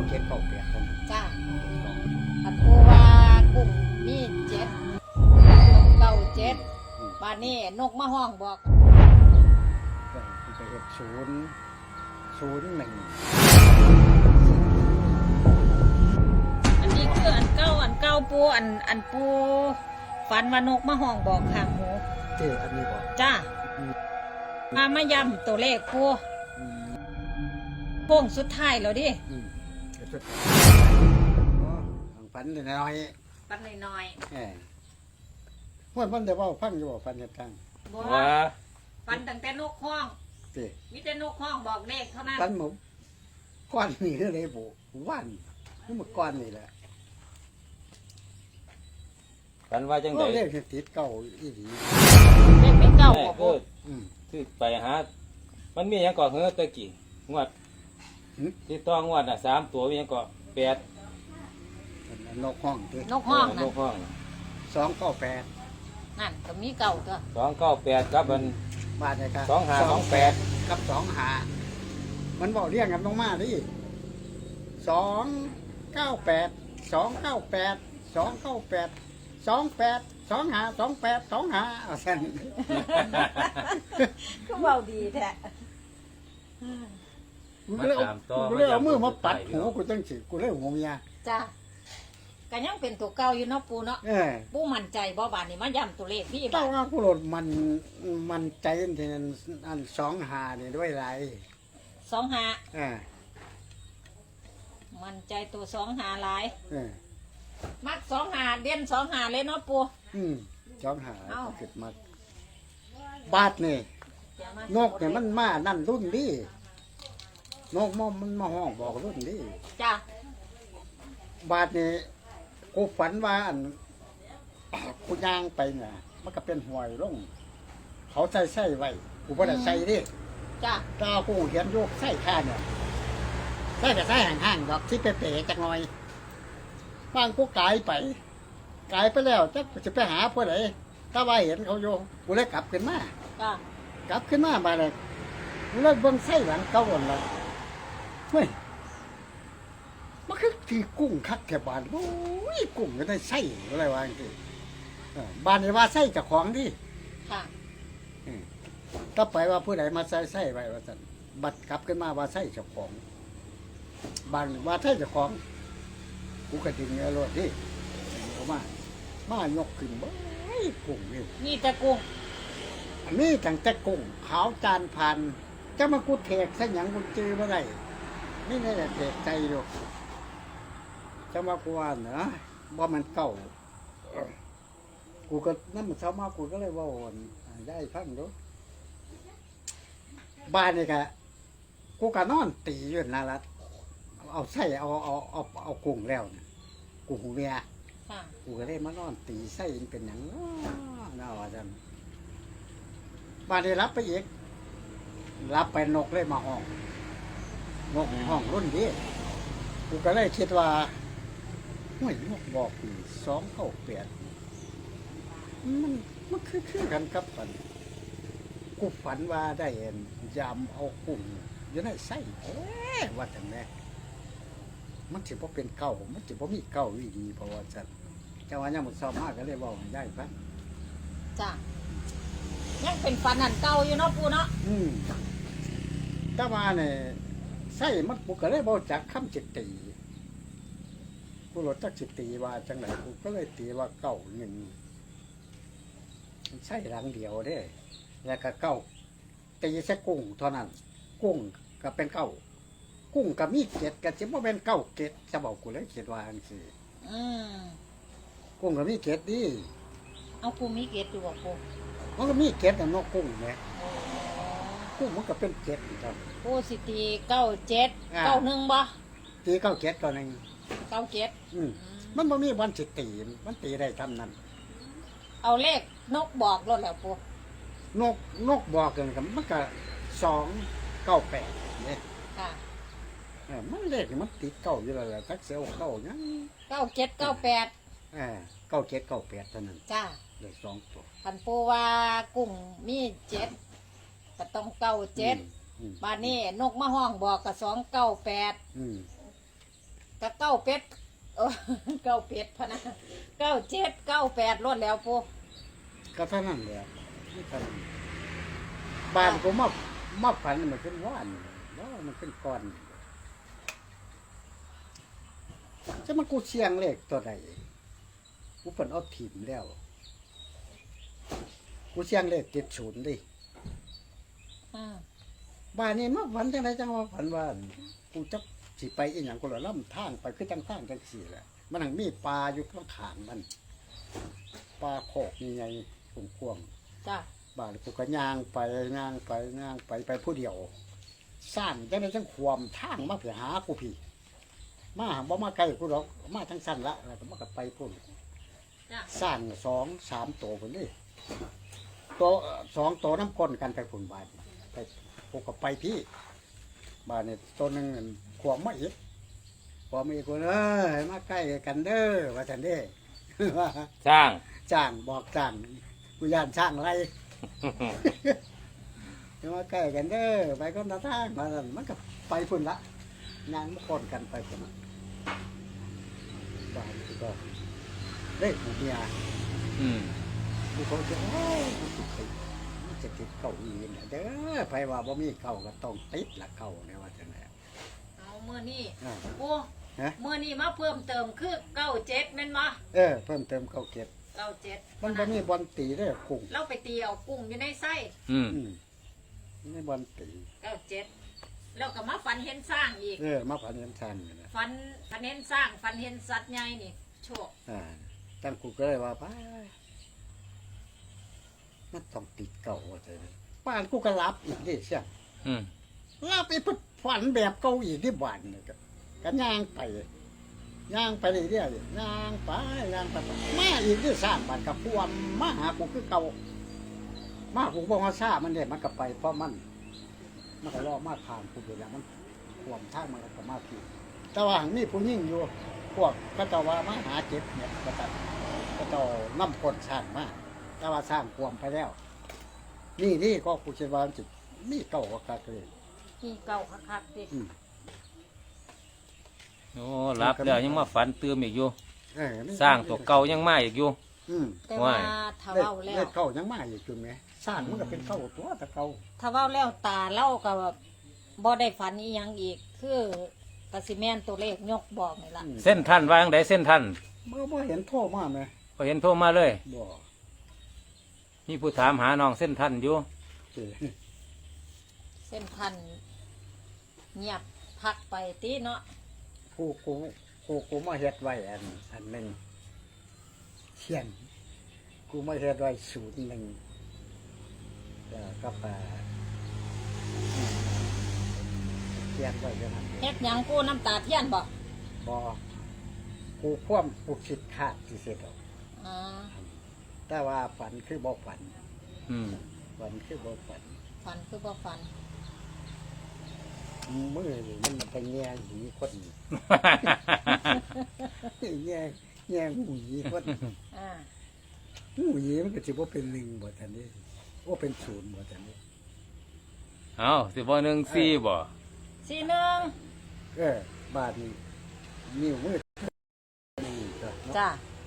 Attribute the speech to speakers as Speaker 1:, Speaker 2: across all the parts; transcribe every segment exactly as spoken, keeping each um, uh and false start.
Speaker 1: เจ็ดเก้าแปดเท่านั้น
Speaker 2: จ้าอันปูว่ากุ้งมีเจ็ดต้องเก้าเจ็ดบานนี้นกมาห้องบอก
Speaker 1: ก็ไปเห็ดศูนย์ศูนย์หนึ่ง
Speaker 2: อันนี้คืออันเก้าอันเก้าปูอันอันปูฝันว่านกมาห้องบอกข้างหมู
Speaker 1: เจ้อันนี้บอก
Speaker 2: จ้ามามาย้ำตัวเลขปูโป้งสุดท้ายแล้วดิ
Speaker 1: อืมเดี๋ยวสุดอ๋อฝันน้อย
Speaker 2: ปันน้อย
Speaker 1: ๆแหมม่วนมันเดี๋ยวว่าฟังอยู่ว่าฝันเหตุการณ์
Speaker 2: ๆบอก
Speaker 3: ว่า
Speaker 2: ปันตั้งแต่นกห้อง
Speaker 1: เจ้
Speaker 2: มีแต่นกห้องบอกเลขเท่านั้น
Speaker 1: ฝันหมูก้อนนี่คือเลยบุวันนี่มันก้อนนี่แหละ
Speaker 3: กันว่าจังได
Speaker 1: ก็เรียกติดเก่าอีหลี
Speaker 2: เลขไม่เก้า
Speaker 3: แม่
Speaker 2: บอก
Speaker 3: ก็
Speaker 1: อืม
Speaker 3: คือไปหามันมีหยังก่อเฮือตะกี้งวด
Speaker 1: หืม
Speaker 3: ที่ต้องงวดน่ะสามตัวมีหยังก่อแปด
Speaker 1: นกห้องเจ้
Speaker 2: นกห้อง
Speaker 3: น
Speaker 2: นั่น
Speaker 3: กห้อง
Speaker 1: สองเก้าแปด
Speaker 2: นั่นก็มีเก้าตัว
Speaker 3: สองเก้าแปดกับมัน
Speaker 1: บาทเลยครับ
Speaker 3: สองห้าสองแปด
Speaker 1: กับสองหามันบอกเรียกกันลงมาดิสองเก้าแปดสองเก้าแปดสองเก้าแปดสองแปดสองหาสองแปดสองหาเอาเส้น
Speaker 2: ก็เบาดีแท้
Speaker 1: กูเลยเอากูเลยเอามือมาปัดหูกูจังสิกูเลยหัวเมีย
Speaker 2: จ้าก็ยังเป็นตัวเก่าอยู่เนาะปูเนาะ
Speaker 1: เออ
Speaker 2: ปูมั่นใจบ่บานนี่มาย้ำตัวเลขพี่
Speaker 1: เต้า
Speaker 2: บาท
Speaker 1: ว่ากูโหลดมันมันใจที่นั่นอันสองหาเนี่ยด้วยไร
Speaker 2: สองหา
Speaker 1: เออ
Speaker 2: มั่นใจตัวสองหาหลาย
Speaker 1: เออ
Speaker 2: มักสองหาเด่นสองหาเลยเนาะปู
Speaker 1: อืมสองหา
Speaker 2: เอ้า
Speaker 1: เกิดมาบาทนี่
Speaker 2: อย่ามาน
Speaker 1: กเนี่ยมันมานั่นรุ่นดินกมอมมันมาห้องบอกรุ่นดิ
Speaker 2: จ้า
Speaker 1: บาทนี่กูฝันว่าอัน กูย่างไปเนี่ยมันก็เป็นหวยลงเขาใส่ใส่ไว้กูไม่ได้ใส่ดิ
Speaker 2: จ้า
Speaker 1: ตากูเห็นโยกใส่ข้าเนี่ยใส่แต่ใส่ห่างๆดอกที่เป๋ๆจักหน่อยบ้างกูกายไปกายไปแล้วจักจะไปหาผู้ใดถ้าว่าเห็นเขาโยกูเลยกลับขึ้นมา
Speaker 2: จ้าก
Speaker 1: ลับขึ้นมาบาดเลยเลิกเบิ่งไส้หลังเก่าหมดเลยเฮ้ยมันคือที่กุ้งคักแถวบ้านโอ้ยกุ้งก็ได้ไส้อะไรวะจังซี่เออบ้านนี่ว่าไส้เจากของดิ
Speaker 2: ค่ะ
Speaker 1: ถ้าไปว่าผู้ใดมาใส่ไส้ไว้ว่าสันบัดกลับขึ้นมาว่าไส้เจ้าของบ้านว่าไส้เจ้าของกูก็ดึงเอารถดิเอามามายกขึ้นเบ้ยกุ้งนี่
Speaker 2: นี่แต่กุ้ง
Speaker 1: อันนี้ตั้งแต่กุ้งขาวจานพันจะมากูเทกซะหยังกูจื้อมาได้นี่นี่แหละเทกใจอยู่จะมากูว่าเนาะว่ามันเก่ากูก็นั่นมันเช้ามากูก็เลยว่าอ่อนได้ฟังดูบ้านนี่กะกูก็นอนตีอยู่นารัดเอาไส้เอาเอาเอาเอากุ้งแล้วนะกุ้งเมีย
Speaker 2: ค่ะ
Speaker 1: กูก็ได้มานอนตีไส้มันเป็นอย่างน้อน่าว่าจังบ้านนี้รับไปอีกรับไปนกเลยมาห้องนกห้องรุ่นนี้กูก็เลยคิดว่าห่วยนกบอกปีสองเข้าเปลี่ยนมันมันคือคือกันกับฝันกูฝันว่าได้เห็นยำเอากุ้งอยู่ในไส้เอ๊ะว่าจังไงมันถือว่าเป็นเก่ามันถือว่ามีเก่าวิดีเพราะว่าจันเจ้าว่ายังหมดซ้อมมากก็เลยบอกให้ได้ฟัง
Speaker 2: จ้ายังเป็นฟันอันเก่าอยู่เนาะปูเนาะ
Speaker 1: อืมถ้ามาเนี่ยไส้มันกูก็เลยบอกจากคำจิตตีกูหลดจากจิตตีว่าจังไหนกูก็เลยตีว่าเก่าหนึ่งไส้หลังเดียวเด้ แล้วก็เก่าตีแค่กุ้งเท่านั้น กุ้งก็เป็นเก่ากุ้งก็มีเกล็ดก็จะว่าเป็นเก่าเกล็ดจะบอกกูเลยเขียนว่าอันสิ
Speaker 2: อืม
Speaker 1: กุ้งก็มีเกล็ดดิ
Speaker 2: เอาปูมีเกตอยู่บ่ปู
Speaker 1: มันก็มีเกล็ดนะนกกุ้งเนี่ย
Speaker 2: โอ้
Speaker 1: กุ้งมันก็เป็นเกล็ดครับ
Speaker 2: ปูสิตีเก้าเจ็ด
Speaker 1: อ่า
Speaker 2: เก้าหนึ่งบ่
Speaker 1: ตีเก้าเกล็ดก็หนึ่ง
Speaker 2: เก้าเจ็ด
Speaker 1: อืมมันบ่มีวันสิตีมันตีได้ทำนั้น
Speaker 2: เอาเลขนกบอกรถแล้วปู
Speaker 1: นกนกบอกกันกับมันก็สองเก้าแปดเนี่ย
Speaker 2: ค่ะ
Speaker 1: เออมันเลขนี่มันติดเก้าอยู่แล้วแหละทักเสียวเก้ายัง
Speaker 2: เก้าเจ็ดเก้าแปด
Speaker 1: เออเก้าเจ็ดเก้าแปดเท่านั้น
Speaker 2: จ้า
Speaker 1: เลขสองตัว
Speaker 2: พันปูว่ากุ้งมีเจ็ดก็ต้องเก้าเจ็ด
Speaker 1: อืม
Speaker 2: บ้านนี้นกมาห้องบอกกับสองเก้าแปด
Speaker 1: อืม
Speaker 2: กะเก้าเป็ดเออเก้าเป็ดพะนะเก้าเจ็ดเก้าแปดรวดแล้วปู
Speaker 1: ก็เท่านั้นแหละนี่เท่านั้นบ้านกูมามาฝันมันขึ้นว่านแล้วมันขึ้นก้อนจะมากูเชียงเลขตัวใดกูเปิดเอาถิ่มแล้วกูเชียงเลขเจ็ดศูนย์ดิ
Speaker 2: อ่า
Speaker 1: บ้านนี้มาฝันจังไรจังว่าฝันว่ากูจะสิไปอีหยังกูละล่ำทางไปคือจังทางจังสี่แหละมันหังมีปลาอยู่ข้างขางมันปลาโขกยังไงกวงๆ
Speaker 2: จ้า
Speaker 1: บ้านกูก็ย่างไปย่างไปย่างไปไปผู้เดียวสั้นจังไดจังความทางมาเพื่อหากูพี่มาบ่มาไกลกูหรอกมาทั้งสั้นละแล้วก็มากับไปพุ่น
Speaker 2: จ้า
Speaker 1: สั้นสองสามตัวพุ่นนี่ตัวสองตัวน้ำก้นกันไปพุ่นบ้านไปกูก็ไปพี่บ้านนี่ตัวหนึ่งขวมมาอีกขวมมาอีกกูเอ้ยมาใกล้กันเด้อว่าจันเด้
Speaker 3: สร้าง
Speaker 1: จ้างบอกจ้างกูย่านช่างไร จะมาใกล้กันเด้อไปก็ตาทางมาสั่นมันก็ไปพุ่นละงานมันคนกันไปพุ่นละบ้านก็เล่นของเมีย
Speaker 3: อืม
Speaker 1: กูเขาจะโอ้ยมันติดติดมันจะติดเก่าอีเนี่ยเด้อไปว่าบ่มีเก่าก็ต้องติดละเก่าเนี่ยว่าจังไง
Speaker 2: เอาเมื่อนี้
Speaker 1: อ่า
Speaker 2: ปู
Speaker 1: ฮะ
Speaker 2: เมื่อนี้มาเพิ่มเติมคือเก้าเจ็ดแม่นบ่
Speaker 1: เออเพิ่มเติมเก่าเก็บ
Speaker 2: เก้าเจ็ด
Speaker 1: มันบ่มีบอลตีเด้อกุ้ง
Speaker 2: เราไปตีเอากุ้งอยู่ในไส้
Speaker 3: อืม
Speaker 1: อืมไม่บอลตี
Speaker 2: เก้าเจ็ดแล้วก็มาฝันเห็นสร้างอีก
Speaker 1: เออมาผ่านเงินชันนี่นะ
Speaker 2: ฝันฝันเห็นสร้างฝันเห็นสัตว์ใหญ่นี่โชค
Speaker 1: อ่าตั้งกูก็เลยว่าไปมันต้องติดเก่าว่าจังไงบ้านกูก็รับอีกดิเชีย
Speaker 3: อืม
Speaker 1: รับไปพุดฝันแบบเก่าอีกที่บ้านนี่ก็ก็ย่างไปย่างไปเรื่อยๆย่างไปย่างไปมาอีกที่สร้างบ้านกับพวมมาหากูคือเก่ามากูบอกว่าซามันเด็มันก็ไปเพราะมันมันก็รอมาผ่านกูไปแล้วมันพวมทางมันก็มาพี่แต่ว่าหังมีผู้ยิ่งอยู่พวกก็จะว่ามาหาเจ็บเนี่ยก็จะก็จะน้ำคนสร้างมาแต่ว่าสร้างพวมไปแล้ว นี่นี่ก็กูคิดว่าจิตมีเก่าก็กระเลย
Speaker 2: ที่เก้าคักๆดิ
Speaker 1: อืม
Speaker 3: โอ้รับแล้วยังมาฝันเติมอีกอยู่
Speaker 1: เออนี่
Speaker 3: สร้างตัวเก่ายังมาอีกอยู่
Speaker 1: อืม
Speaker 2: แต่ว่า
Speaker 3: ว้าย
Speaker 2: ถ้า
Speaker 1: เลข
Speaker 2: เว้าแล้ว
Speaker 1: เลขเก่ายังมาอยู่จุดไหมสร้างมันก็เป็นเก่าตัวแต่เก่า
Speaker 2: ถ้าเว้าแล้วตาเล่าก็บ่ได้ฝันอีหยังอีก คือกสิแม่นตัวเลขยกบอกนี่ล่ะ
Speaker 1: อืม
Speaker 3: เส้นท่านว่าจังไดเส้นท่าน
Speaker 1: เมื่อเมื่อเห็นโทษมาไหม
Speaker 3: ก็เห็นโทรมาเลย
Speaker 1: บ่
Speaker 3: มีผู้ถามหาน้องเส้นท่านอยู่
Speaker 1: เจ้
Speaker 2: เส้นทันเงียบพักไปตีเนาะ
Speaker 1: กูกูกูกูมาเฮ็ดไว้อันอันหนึ่งเขียนกูมาเฮ็ดไว้ศูนย์หนึ่งแล้วก็ไปเขียนไว้เท่านั้น
Speaker 2: เฮ็ดหยังกูน้ำตาเทียนบ่
Speaker 1: บ่กูคว่ำกูคิดขาดที่เสร็จแล้ว
Speaker 2: อ่า
Speaker 1: แต่ว่าฝันคือบ่ฝัน
Speaker 3: อืม
Speaker 1: ฝันคือบ่ฝัน
Speaker 2: ฝันคือบ่ฝัน
Speaker 1: มือนี่มันไปแง่หีคนแง่แง่หูหีคน
Speaker 2: อ่า
Speaker 1: หูหีมันก็สิบ่เป็นหนึ่งบ่ทันนี้ว่าเป็นศูนย์บ่ทันนี้
Speaker 3: เอาสิบ่หนึ่งสี่บ่
Speaker 2: สี่หนึ่ง
Speaker 1: เออบาทนี้นิ้วมือนี่ก็เนาะ
Speaker 2: จ้า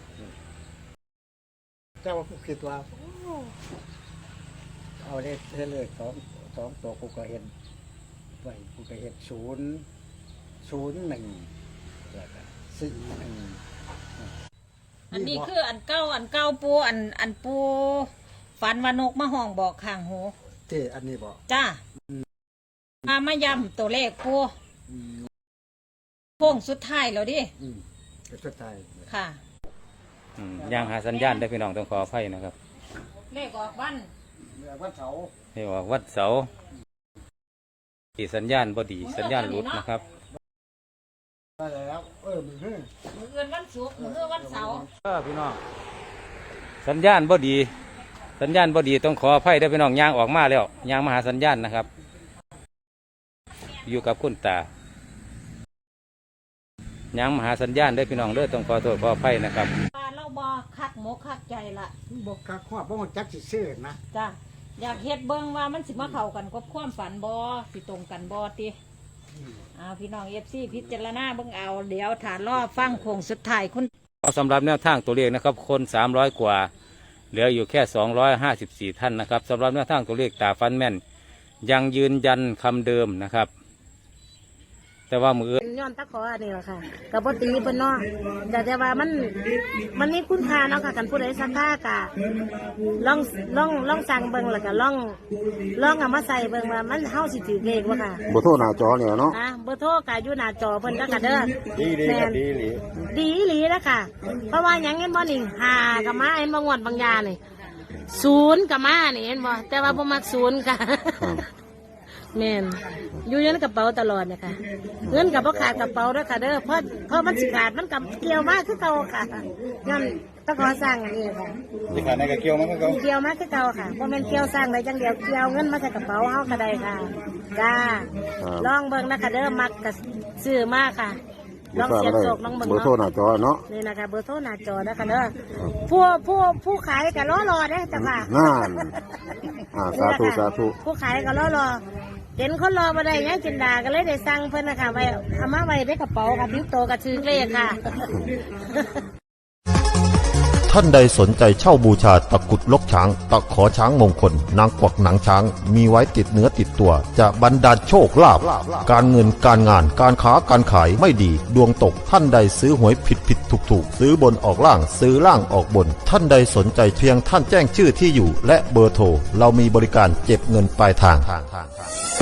Speaker 1: แต่ว่ากูคิดว่าโอ้เอาเลขเลขสองสองตัวกูก็เห็นไว้กูก็เห็นศูนย์ศูนย์หนึ่งแล้วก็สี่หนึ่ง
Speaker 2: อันนี้คืออันเก้าอันเก้าปูอันอันปูฝันว่านกมาห้องบอกข้างหู
Speaker 1: เจ้อันนี้บอก
Speaker 2: จ้ามามาย้ำตัวเลขปู
Speaker 1: อืม
Speaker 2: โค้งสุดท้ายแล้วดิ
Speaker 1: อืมก็สุดท้าย
Speaker 2: ค่ะ
Speaker 3: อืมยังหาสัญญาณได้พี่น้องต้องขออภัยนะครับ
Speaker 2: เลขออกวัน
Speaker 1: เมื่อวันเสาร์
Speaker 3: นี่ว่าวัดเสาที่สัญญาณบ่ดีสัญญาณหลุดนะครับ
Speaker 1: ได้แล้ว เออมือเฮ้ย
Speaker 2: มื้ออื่นวันศุกร์มื้อวันเสาร์
Speaker 3: เออพี่น้องสัญญาณบ่ดี สัญญาณบ่ดีต้องขออภัยได้อพี่น้องย่างออกมาแล้วย่างมาหาสัญญาณนะครับ อยู่กับคุณตาย่างมาหาสัญญาณได้อพี่น้องเด้อต้องขอโทษขออภัยนะครับ
Speaker 2: ว่าเราบ่คักหมกคักใจละ
Speaker 1: บอกกาขวบบอกจักสิซื้อนะ
Speaker 2: จ้าอยากเฮ็ดเบิ่งว่ามันสิมาเข้ากันกับความฝันบ่สิตรงกันบ่ติเอาพี่น้องเอฟซีพิจารณาเบิ่งเอาเดี๋ยวถานรอบฟังโค้งสุดท้ายคุณ
Speaker 3: เอาสำหรับแนวทางตัวเลขนะครับคนสามร้อยกว่าเหลืออยู่แค่สองร้อยห้าสิบสี่ท่านนะครับสำหรับแนวทางตัวเลขตาฟันแม่นยังยืนยันคำเดิมนะครับ แต่ว่ามือ
Speaker 4: ย้อนตะขออันนี้แหละค่ะกับปตีเพิ่นเนาะแต่แต่ว่ามันมันมีคุณค่าเนาะค่ะกันผู้ใดสักค่ากะลองลองลองสั่งเบิ่งแล้วก็ลองลองเอามาใส่เบิ่งว่ามันเฮาสิถือเลขบ่ค่ะ
Speaker 5: บ่โทรหน้าจอเนี่ยเนาะ
Speaker 4: อ่ะเบอร์โทรก็อยู่หน้าจอเพิ่นก็ค่ะเด้อ
Speaker 5: ดีดีครับดีดี
Speaker 4: ดีอีหลีแล้วค่ะ เพราะว่าหยังเห็นบ่นี่หากับมาเห็นบ่งวดบางยานี่ศูนย์กับมานี่เห็นบ่แต่ว่าบ่มักศูนย์ค่ะ แม่นอยู่ในกระเป๋าตลอดเนี่ยค่ะเงินกับพ่ขาดกระเป๋าด้วยค่ะเด้อเพราะเพราะมันสิขาดมันกับเกี่ยวมากคือเก่าค่ะย้อนต้องขอสร้างอันนี้ค่ะ
Speaker 5: สิขาดในกระเกี่ยวมันก็
Speaker 4: เกี่ยวมากคือเก่าค่ะเพราะมันเกี่ยวสร้างได้จังเดียวเกี่ยวเงินมาใส่กระเป๋าเฮาก็ได้ค่ะจ้าลองเบิ่งนะคะเด้อมักกับซื้อมากค่ะลองเสียบโศกลองเบิ่ง
Speaker 5: เบอร์โทรห
Speaker 4: เนาะ
Speaker 5: น้าจอเนาะ
Speaker 4: นี่นะคะเบอร์โทรหน้าจอนะคะเด้อผู้ผู้ผู้ขายก็รอรอเด้อจ้ะค่ะ
Speaker 5: นั่นอ่าสาธุสาธุ
Speaker 4: ผู้ขายก็รอรอเห็นคนรอมาได้ยังจินดาก็เลยได้สั่งเพิ่นนะคะไว้เอามาไว้ในกระเป๋าค่ะทิ้งโตกับชื่อเลขค่ะ
Speaker 6: ท่านใดสนใจเช่าบูชาตะกรุดลกช้าง ตะขอช้างมงคล นางกวักหนังช้าง มีไว้ติดเนื้อติดตัว จะบรรดาลโชคลาภการเงินการงานการค้าการขายไม่ดี ดวงตกท่านใดซื้อหวยผิดผิดถูกถูกซื้อบนออกล่างซื้อล่างออกบน ท่านใดสนใจเพียงท่านแจ้งชื่อที่อยู่ และเบอร์โทรเรามีบริการเก็บเงินปลายทาง